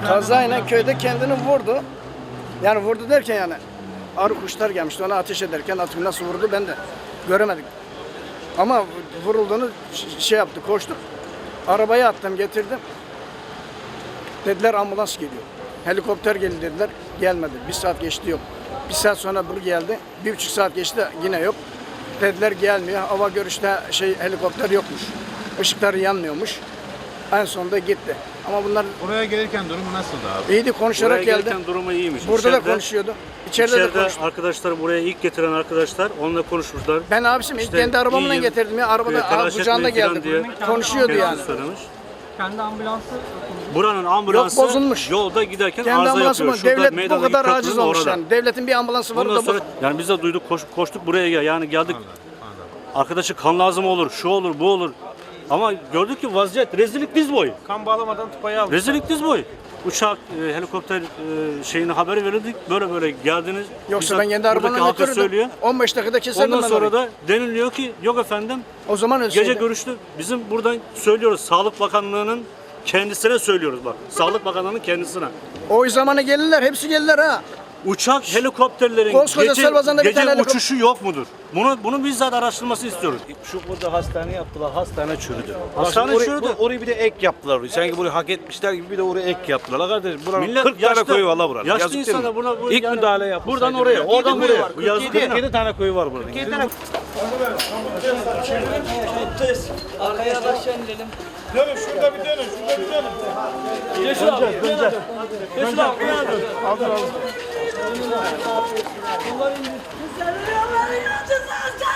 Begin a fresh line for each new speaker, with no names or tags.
Kazayla köyde kendini vurdu. Yani vurdu derken yani arı kuşlar gelmişti ona ateş ederken atımı nasıl vurdu ben de göremedik. Ama vurulduğunu şey yaptı, koştuk. Arabaya attım, getirdim. Dediler ambulans geliyor. Helikopter geldi dediler. Gelmedi. 1 saat geçti yok. 1 saat sonra bu geldi. 1,5 saat geçti yine yok. Dediler gelmiyor. Hava görüşte helikopter yokmuş. Işıkları yanmıyormuş. En sonunda gitti. Ama bunlar
Oraya gelirken durumu nasıldı abi?
iyiydi, konuşarak
Buraya
geldi.
gelirken durumu iyiymiş.
Burada da konuşuyordu. İçeride de konuştu.
arkadaşlar buraya ilk getiren arkadaşlar onunla konuşmuşlar.
Ben abişim ilk
İşte
kendi arabamla
iyiyim,
getirdim ya. Arabada
telaş
kucağında
etmeyin falan
geldim.
diye
Konuşuyordu yani.
kendisi söylemiş.
Kendi ambulansı
Buranın ambulansı
Yok, bozulmuş.
yolda giderken
Kendi
arıza
ambulansı
yapıyor.
mı?
Şurada
Devlet bu
meydandaki
kadar
köprünün
aciz olmuş
orada.
yani. Devletin bir ambulansı var
Ondan
da bu.
sonra yani biz de duyduk koştuk buraya yani geldik. Arkadaşı kan lazım olur, şu olur, bu olur. Ama gördük ki vaziyet rezillik diz boyu.
Kan bağlamadan tıpayı aldı.
Rezillik diz boyu. Uçak, helikopter şeyine haber verildik. Böyle geldiniz.
Yoksa
Bizzat
ben kendi
buradaki
arabamla
halka
götürürdüm.
söylüyor.
15 dakikada keserdim
Ondan
ben
sonra
orayı.
da deniliyor ki yok efendim
O zaman
gece
ölseydi.
görüştü. Bizim buradan söylüyoruz. Sağlık Bakanlığı'nın kendisine söylüyoruz bak. Sağlık Bakanlığı'nın kendisine.
O zamanı gelirler, hepsi gelirler ha.
Uçak helikopterlerin
Koskoca Selbazan'da bir
gece
tane
uçuşu yok mudur? Bunu bizzat araştırması istiyoruz. Şu burada hastane yaptılar. Hastane çürüdü. Hastane çürüdü.
Orayı bir de ek yaptılar. Sanki burayı hak etmişler gibi bir de oraya ek yaptılar. Kardeşim buranın
Millet
40
yaşlı-
tane köyü var la buranın.
yaşlı
Yazık değil mi?
insana buna
İlk
yani
müdahale yapmış.
buradan oraya, oradan buraya. Bu yazık değil mi?
47 tane köyü var burada.
arkaya aşağı inelim.
Dönün şurada bir dönün, şurada bir dönün.
Yeşil abi. Yeşil abi.
Aldır aldır.
Kızlarını yolları yolacağız.